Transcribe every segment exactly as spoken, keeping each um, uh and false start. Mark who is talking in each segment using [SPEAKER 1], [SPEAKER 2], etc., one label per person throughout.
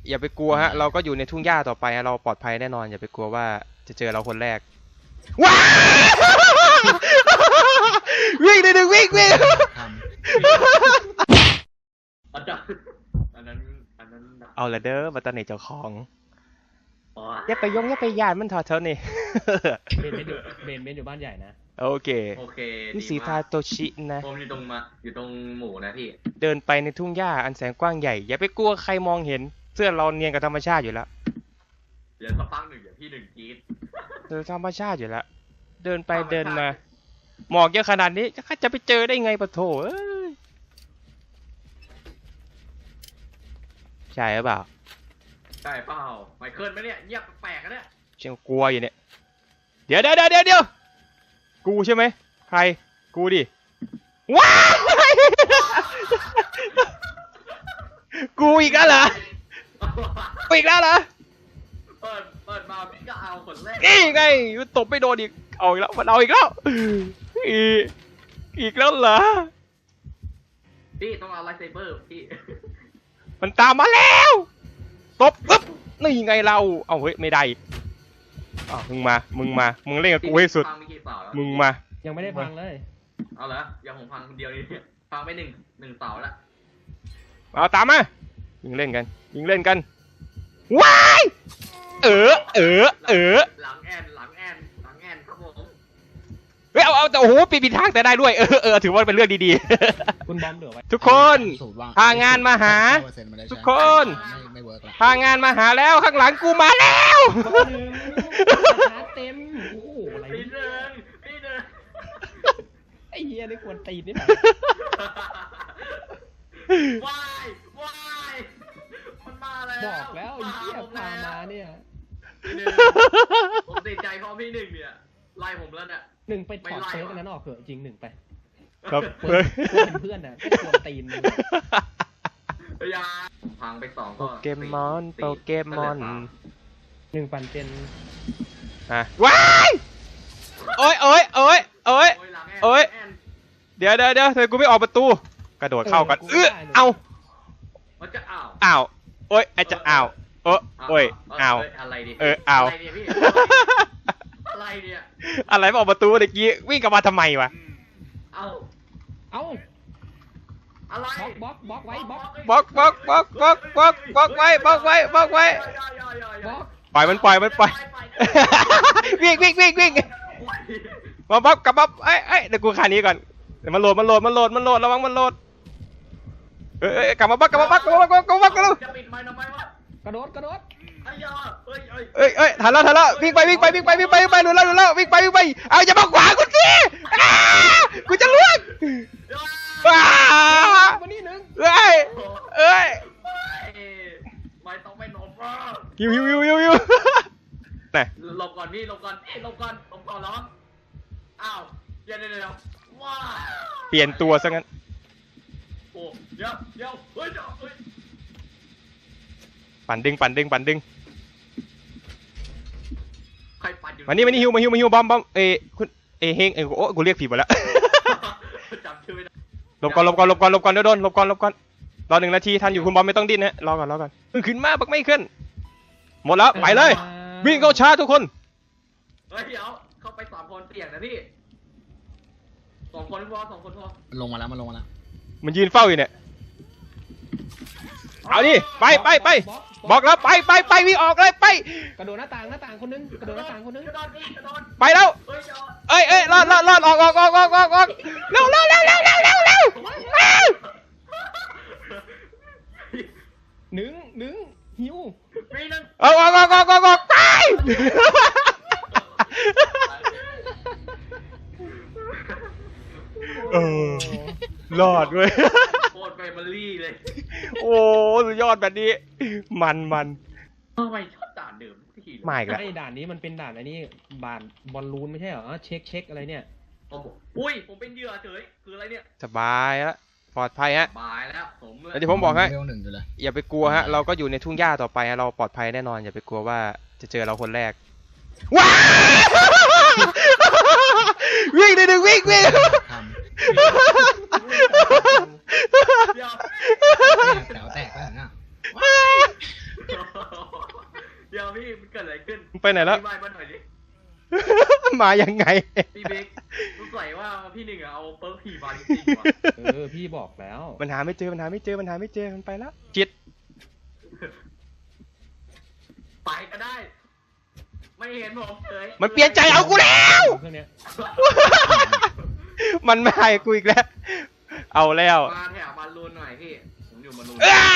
[SPEAKER 1] อย่าไปกลัวฮะเราก็อยู่ในทุ่งหญ้าต่อไปฮะเราปลอดภัยแน่นอนอย่าไปกลัวว่าจะเจอเราคนแรกว้าวิ่งหนึ่งวิ่งวิ่ง
[SPEAKER 2] อันนั้นอันนั้นอันนั้น
[SPEAKER 1] เอาละเด้อมาตอนไหนเจ้าของอย่าไปยงอย่าไปยานมันถอดเท่านี่
[SPEAKER 3] เบนเบนอยู่เบนเบนอยู่บ้านใหญ่นะ
[SPEAKER 1] โอเค
[SPEAKER 2] โอเค
[SPEAKER 1] นี่สีทาโตชินะ
[SPEAKER 2] ผมอยู่ตรงมาอยู่ตรงหมู่นะพี่
[SPEAKER 1] เดินไปในทุ่งหญ้าอันแสนกว้างใหญ่อย่าไปกลัวใครมองเห็นเสื้อเราเนียนกับธรรมชาติอยู่แล้ว
[SPEAKER 2] เดี๋ยวสักพักหนึ่งเดี๋ยวพี่หนึ่งกรี๊ด
[SPEAKER 1] เจอธรรมชาติอยู่แล้วเดินไปเดินมาหมอกเยอะขนาดนี้จะไปเจอได้ไงปะโถเอ้ยใช่หรือเปล่า
[SPEAKER 2] ใช่เปล่าไมเคิลไหมเนี่ยเงียบแปลกๆนะเนี่ย
[SPEAKER 1] เชียงกลัวอยู่เนี่ยเดี๋ยวเดี๋ยวเดี๋ยวเดี๋ยวกูใช่ไหมใครกูดิว้ายกูอีกแล้วเหรอกูอีกแล้วเหรอ
[SPEAKER 2] เปิดเปิดมาพี่ก็เอาคนแรก
[SPEAKER 1] นี่ไงตบไม่โดนอีกเอาอีกแล้วมันเอาอีกแล้วอีกอีกแล้วเหรอ
[SPEAKER 2] พี่ต้องเอาไลท์เซเบอร์พี่
[SPEAKER 1] มันตามมาแล้วตบปึ๊บนี่ไงเราเอาเฮ้ยไม่ได้อ้าวมึงมามึงมามึงเล่นกับกูให้สุดมึงมา
[SPEAKER 3] ยังไม่ได้ฟังเลย
[SPEAKER 2] เอาเหรอยังผมฟังคนเดียวนี่ฟังไปหนึ่งหนึ่งเสาแล้ว
[SPEAKER 1] เอาตามมายิงเล่นกันยิงเล่นกันว้ายเออเออเออ
[SPEAKER 2] หลังแอนหลังแอนหลังแอนครับผม
[SPEAKER 1] เฮ้ยเอาเอาแต่โอ้โหปีนทางแต่ได้ด้วยเออเออถือว่าเป็นเรื่องดี
[SPEAKER 3] ๆคุณบอมเดือดไว้
[SPEAKER 1] ทุกคนพางานมาหาทุกคนพางานมาหาแล้วข้างหลังกูมาแล้ว
[SPEAKER 3] เต็มโอ้โหอะไร
[SPEAKER 2] พี่เดินพี่เดิน
[SPEAKER 3] ไอ้เหี้ยนี่ควรตีนนี่ไหน
[SPEAKER 2] ว้ายว้ายมันมาแล้ว
[SPEAKER 3] บอกแล้วไอ้เหี้ยพามาเนี่ย
[SPEAKER 2] ผมติดใจเพราะพี่หนึ่งเนี่ยไล่ผมแล้วเนี่ย
[SPEAKER 3] หนึ่งไปถอดเซิร์ฟนั้นออกเถอะจริงหนึ่งไป
[SPEAKER 1] ครับ
[SPEAKER 3] เพื่อนเพื่อนน่ะก็ควรตีนมึง
[SPEAKER 2] ยาผมพังไปสองก็
[SPEAKER 1] โปเกมอนโปเกมอน
[SPEAKER 3] หนึ่งปันเป็น
[SPEAKER 1] ฮะว้ายโอ้ยโอ้ยโอ้ยโอ้ยโอ้ยเดี๋ยวเดี๋ยวเดี๋ยวเธอกูไม่ออกประตูกระโดดเข้ากันเออเอา
[SPEAKER 2] มันจะอ้าว
[SPEAKER 1] อ้าวโอ้ยไอจะอ้าวเออโอ้ยอ้าว
[SPEAKER 2] อะไรดิ
[SPEAKER 1] เอออ้าว
[SPEAKER 2] อะไรเนี่ย
[SPEAKER 1] อะไรมาออกประตูเมื่อกี้วิ่งกลับมาทำไมวะ
[SPEAKER 2] เอา
[SPEAKER 3] เอา
[SPEAKER 2] อะไร
[SPEAKER 3] บล็อกบล็อกไว้บล็อก
[SPEAKER 1] บล็อกบล็อกบล็อกบล็อกบล็อกบล็อกไว้บล็อกไว้บล็อกไว้ปล่อยมันปล่อยมันปล่อยวิ่งวิ่งวิ่งวิ่งมาบล็อกกลับมาไอ้ไอ้เดี๋ยวกูขานี้ก่อนเดี๋ยวมันโหลดมันโหลดมันโหลดมันโหลดระวังมันโหลดเอ้ยกลับมาบล็อกกลับมาบล็อกกลับมาบล็อกกลับมาบล็อกกลับมา
[SPEAKER 2] จะปิดไมค์ทำไมวะ
[SPEAKER 3] กระโดดกระโดด
[SPEAKER 2] ไอ้ยาเอ้ยเอ้ย
[SPEAKER 1] เอ้ยเอ้ยทันแล้วทันแล้ววิ่งไปวิ่งไปวิ่งไปวิ่งไปวิ่งไปหลุดแล้วหลุดแล้ววิ่งไปวิ่งไปเอาอย่ามาขวางกูสิกูจะล่วงว้า
[SPEAKER 3] วันนี้หนึ่ง
[SPEAKER 1] เอ้ยเอ้ย
[SPEAKER 2] ไม่ต้องไปหลบอ่ะ
[SPEAKER 1] ฮิวฮิวฮิวฮิวฮิวไหน
[SPEAKER 2] หลบก่อนพี่หลบก่อนเอ้ยหลบก่อนหลบก่อนร้องอ้าวเดี๋ยวเดี๋ยวเดี๋ยวว้า
[SPEAKER 1] เปลี่ยนตัวซะงั้น
[SPEAKER 2] โอ้เดี๋ยวเดี๋ยวเฮ้ยเดี๋ยวเฮ้ย
[SPEAKER 1] ปั่นดึงปั่นดึงปั่นดึง
[SPEAKER 2] ใครปั่นอยู่
[SPEAKER 1] มานี่มานี่ฮิวมาฮิวมาฮิวบอมบอมเอ้คุณเอ้เฮงเอ้โอ้กูเรียกผิดหมดแล้ว
[SPEAKER 2] จำชื่อไม่ได้
[SPEAKER 1] หลบก่อนหลบก่อนหลบก่อนหลบก่อนเดี๋ยวโดนหลบก่อนหลบก่อนรอหนึ่งนาทีทันอยู่คุณบอมไม่ต้องดิ้นนะรอก่อนรอก่อนขึ้นมาบักไม่ขึ้นหมดแล้วไปเลยวิ่งเข้าชาร์จทุกคน
[SPEAKER 2] เฮ้ยเดี๋ยวเข้าไปสามคนเสี่ยงนะพี่สองคนพอสองคนพอ
[SPEAKER 4] ลงมาแล้วมันลงมาแล้ว
[SPEAKER 1] มันยืนเฝ้าอยู่เนี่ยเอาดิไปไปไปบอกแล้วไปไปไปวิ่งออกเลยไป
[SPEAKER 3] กระโดดหน้าต่างหน้าต่างคนนึงกระโดดหน้าต่างคนนึง
[SPEAKER 1] ไปแล้วเอ้ยเอ้ยรอดรอดรอดออกออกออกออกออกออกเร็วเร็วเร็วเร็วเร็วเร็วเร็ว
[SPEAKER 3] หนึ่งหนึ่งหิว
[SPEAKER 1] ออกออกออกออกออกออกไปเออรอดเว้ย
[SPEAKER 2] โคตรแฟมิลี่เลย
[SPEAKER 1] โอ้สุดยอดแบบนี้มันมัน
[SPEAKER 2] ทำไมชอบด่านเดิมที่
[SPEAKER 1] ไม่กัน
[SPEAKER 3] ไอ้ด่านนี้มันเป็นด่านอันนี้บานบอลลูนไม่ใช่เหรอเช็คเช็คอะไรเนี่ย
[SPEAKER 2] อุ้ยผมเป็นเหยื่อเฉยคืออะไรเนี่ย
[SPEAKER 1] สบายแล้วปลอดภัยฮะ
[SPEAKER 2] สบายแล้วผม
[SPEAKER 1] เลยที่ผมบอกให้อย่าไปกลัวฮะเราก็อยู่ในทุ่งหญ้าต่อไปฮะเราปลอดภัยแน่นอนอย่าไปกลัวว่าจะเจอเราคนแรกว้าวิ่งหนึ่งวิ่งวิ่ง
[SPEAKER 4] แถวแตกแล้วนะ
[SPEAKER 2] พี่มันเกิดอะไรขึ้น
[SPEAKER 1] มึงไปไหนแล้ว
[SPEAKER 2] อธิบายมาหน่อยดิ
[SPEAKER 1] มายังไง
[SPEAKER 2] พี่บิ๊กรู้ใส่ว่าพี่หนึ่งอะเอาเปิร์กผีมาจริงๆว่ะ
[SPEAKER 3] เออพี่บอกแล้ว
[SPEAKER 1] มันหาไม่เจอมันหาไม่เจอมันหาไม่เจอมันไปแล้วจิต
[SPEAKER 2] ไปก็ได้ ไม่เห็นผมเลย
[SPEAKER 1] มันเปลี่ยนใจเอากูแล้ว
[SPEAKER 3] เครื่องเนี้ย
[SPEAKER 1] มันไม่ให้กูอีกแล้ว เอาแล้ว
[SPEAKER 2] มาแถวบอลลูนหน่อยพี่ผมอยู่บอลลูน
[SPEAKER 1] อ้า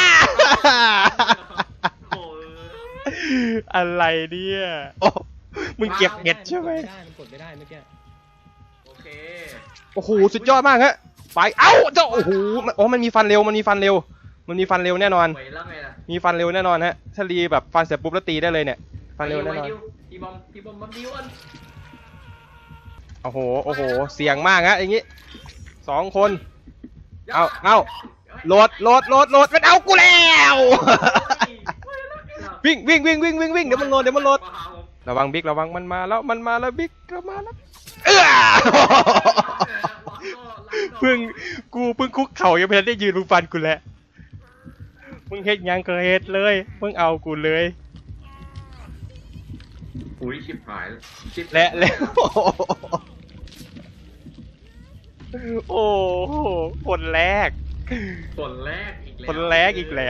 [SPEAKER 2] โอ้ย
[SPEAKER 1] อะไรเนี่ยโอ้มึงเก็บเห็ดใช่ไหม
[SPEAKER 3] ไม่ได้มันกดไม่ได้เมื่อกี้
[SPEAKER 2] โอเค
[SPEAKER 1] โอ้โหสุดยอดมากฮะไปเอ้าเจ้าโอ้โหมันโอ้มันมีฟันเร็วมันมีฟันเร็ว มันมีฟันเร็วแน่นอน
[SPEAKER 2] ไปแล้วไงล่ะ
[SPEAKER 1] มีฟันเร็วแน่นอนฮะถ้ารีแบบฟันเสร็จปุ๊บแล้วตีได้เลยเนี่ยฟันเร็วแน่นอน
[SPEAKER 2] ไปดิพี่บอมพี่บอมบัมดิวอัน
[SPEAKER 1] โอ้โหโอ้โหเสี่ยงมากฮะอย่างงี้สองคนเอาเอาโหลดโหลดโหลดโหลดมันเอากูแล้ววิ่งวิ่งวิ่งวิ่งวิ่งวิ่งเดี๋ยวมันโหลดเดี๋ยวมันโหลดระวังบิ๊กระวังมันมาแล้วมันมาแล้วบิ๊กก็มาแล้วเออเพิ่งกูเพิ่งคุกเข่ายังไม่ทันได้ยืนมึงฟันกูแล้วมึงเฮ็ดยังก็เฮ็ดเลยมึงเอากูเลย
[SPEAKER 2] อุ้ยชิบหายชิบ
[SPEAKER 1] และแล้วโอ้โหคนแรก
[SPEAKER 2] คนแรกอีกแล้ว
[SPEAKER 1] คนแรกอีกแล้ว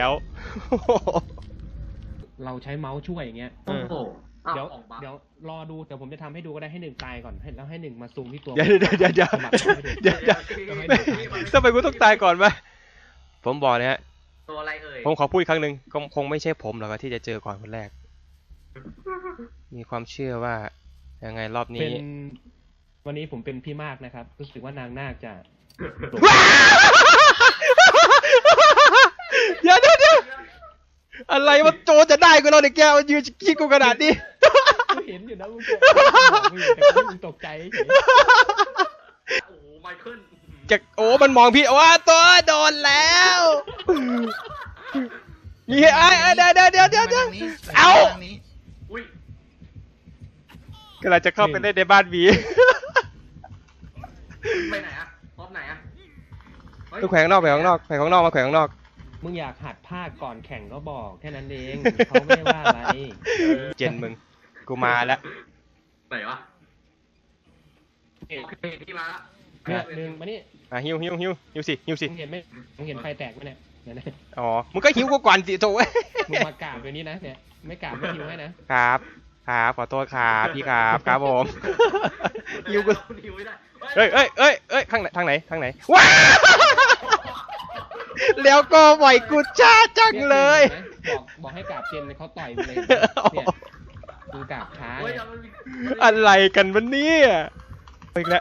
[SPEAKER 3] เราใช้เมาส์ช่วยอย่างเงี้ย
[SPEAKER 2] โอ้โหอ้า
[SPEAKER 3] เดี๋ยว
[SPEAKER 2] ออกมา
[SPEAKER 3] เดี๋ยวรอดูเดี๋ยวผมจะทำให้ดูก็ได้ให้หนึ่งตายก่อนให้แล้วให้หนึ่งมาซูมที่ตัว
[SPEAKER 1] เดี๋ยวเดี๋ยวเดี๋ยวเดี๋ยว
[SPEAKER 3] สมัครให้ดู
[SPEAKER 1] เดี๋ยวเดี๋ยวทำไมกูต้องตายก่อนวะผมบอกนะฮะ
[SPEAKER 2] ตัวอะไรเอ่ย
[SPEAKER 1] ผมขอพูดอีกครั้งหนึ่งคงคงไม่ใช่ผมหรอกที่จะเจอก่อนคนแรก มีความเชื่อว่ายังไงรอบ
[SPEAKER 3] เป็
[SPEAKER 1] นี้
[SPEAKER 3] นวันนี้ผมเป็นพี่มากนะครับรู้สึกว่านางนาคจะ
[SPEAKER 1] เดี๋ยวเดี๋ยวเดี๋ยวอะไรวะโจจะได้กูเราเด็กแกมันยืนคิดกูขนาดนี้
[SPEAKER 3] กูเห็นอยู่นะมึงตกมึงแต่มึงตกใจเฉย
[SPEAKER 2] โอ้โหไมเคิล
[SPEAKER 1] จะโอ้มันมองพี่ว่าตัวโดนแล้วมีไอ้ไอ้เดี๋ยวเดี๋ยวเดี๋ยวเดี๋ยวเดี๋ยวเอา
[SPEAKER 2] อุ้ย
[SPEAKER 1] กำลังจะเข้าไปเล่นในบ้านวี
[SPEAKER 2] ไปไหนอะพร้อมไหนอะเฮ้ย
[SPEAKER 1] ต้องแขวนข้างนอกแขวนข้างนอกแขวนข้างนอกมาแขวนข้างนอก
[SPEAKER 3] มึงอยากหัดภาคก่อนแข่งก็บอกแค่นั้นเองเขาไม่ได้ว่าอะไร
[SPEAKER 1] เจนมึงกูมาแล้ว
[SPEAKER 2] ไหนวะ
[SPEAKER 3] เอ๊ะ
[SPEAKER 2] โอเคพี่มาละ
[SPEAKER 3] เนี่ยหนึ่งมานี่
[SPEAKER 1] อ่ะหิวหิวหิวหิวสิหิวสิ
[SPEAKER 3] มึงเห็นไหมมึงเห็นไฟแตกไหมเนี่ยเนี่ยนะ
[SPEAKER 1] อ๋อมึงก็หิวกูก่อนสิโถ่
[SPEAKER 3] มึงมากราบตัวนี้นะเนี่ยไม่กราบไม่หิวให้นะครับ
[SPEAKER 1] ครับขอโทษครับพี่ครับครับผมหิวกู
[SPEAKER 2] หิวไม่ได้
[SPEAKER 1] เอ้ยเอ้ยเอ้ยเอ้ยข้างไหนทางไหนทางไหนว้า แล้วก็ปล่อยกูช้าจังเลย
[SPEAKER 3] บอกบอกให้กราบเจนเขาต่อยมึงเลยเนี่ยมึงกราบช้า
[SPEAKER 2] เฮ้ย
[SPEAKER 3] เนี่ย
[SPEAKER 2] มันมี
[SPEAKER 1] อะไรกันวะเนี่ยอีกแล้ว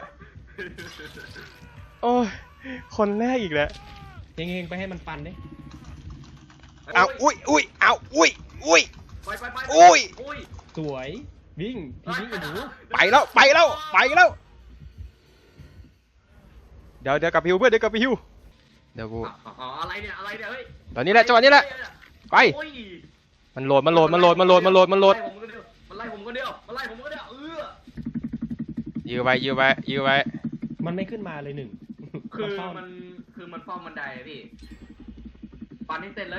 [SPEAKER 1] โอ้ยคนแรกอีกแล้ว
[SPEAKER 3] เฮงๆไปให้มันปันดิ
[SPEAKER 1] เอาอุ้ยอุ้ยเอาอุ้ยอุ้ย
[SPEAKER 2] ไปไปไป
[SPEAKER 1] อุ้ย
[SPEAKER 2] อุ้ย
[SPEAKER 3] สวยวิ่งทีนี้กับหนู
[SPEAKER 1] ไปแล้วไปแล้วไปแล้วเดี๋ยวเดี๋ยวกลับพิวเพื่อนเดี๋ยวกลับพิวเดี๋ยวกู
[SPEAKER 2] อ๋ออะไรเนี่ยอะไรเนี่ยเฮ้ย
[SPEAKER 1] ตอนนี้แหละจังหวะนี้แหละไป
[SPEAKER 2] โอ้ย
[SPEAKER 1] มันโหลดมันโหลดมันโหลดมันโหลดมันโหลดมันโหลด
[SPEAKER 2] มันไล่ผมคนเดียวมันไล่ผมคนเดียวมันไล่ผมคนเดียวเออ
[SPEAKER 1] ยื้อไว้ยื้อไว้ยื้อไว้
[SPEAKER 3] มันไม่ขึ้นมาเลยหนึ่ง
[SPEAKER 2] คือ
[SPEAKER 3] เฝ้า
[SPEAKER 2] มันคือมันเฝ้าบันไดอะพี่ปันให้เสร็จเลย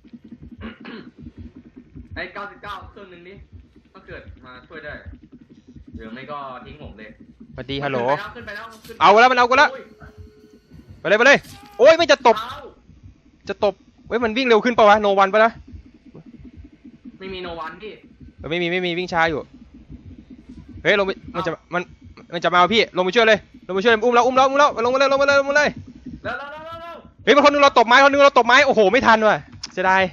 [SPEAKER 2] ไอ้เก้าสิบเก้าเครื่องหนึ่งนี้ถ้าเกิดมาช่วยได้หรือไม่ก็ทิ้งผมเลย
[SPEAKER 1] สวัสดีฮัลโหล
[SPEAKER 2] ขึ้นไปแล้วขึ้นไปแล้ว
[SPEAKER 1] เอาแล้วมันเอากูแล้ว ไปเลยไปเลยโอ้ยไม่จะตบ
[SPEAKER 2] เอา
[SPEAKER 1] จะตบเว้ยมันวิ่งเร็วขึ้นปะวะโนวันปะนะ
[SPEAKER 2] ไม่มีโนวันพี่
[SPEAKER 1] เออไม่มีไม่มีวิ่งช้าอยู่เฮ้ยลงไปมันจะมันมันจะมาเอาพี่ลงไปช่วยเลยลงไปช่วยอุ้มแล้วอุ้มแล้วอุ้มแล้วลงมาเลยลงมาเลยลงมาเลย
[SPEAKER 2] แล้วแล้วแล้วแล้ว
[SPEAKER 1] เฮ้ยมันคนนึงเราตบไม้คนนึงเราตบไม้โอ้โหไม่ทันว่ะเสียดาย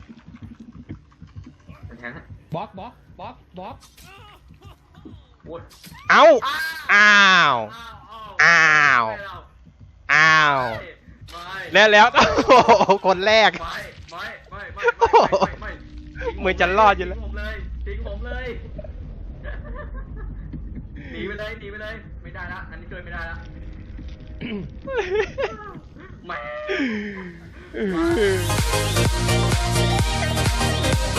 [SPEAKER 2] แทงฮะ
[SPEAKER 3] บล็อกบล็อกบล็อกบล็อก
[SPEAKER 2] โอ้ย
[SPEAKER 1] เอ้าอ้าว
[SPEAKER 2] อ้าว
[SPEAKER 1] อ้าว
[SPEAKER 2] ไม่เ
[SPEAKER 1] แล้วแล้วโอ้โหคนแรก
[SPEAKER 2] ไม่ไม่ไม่ไม่ไม่ไม่
[SPEAKER 1] เหมือนจะรอดอยู่แล้ว
[SPEAKER 2] ทิ้งผมเลยทิ้งผมเลยหนีไปเลยหนีไปเลยไม่ได้ละอันนี้ช่วยไม่ได้ละแหม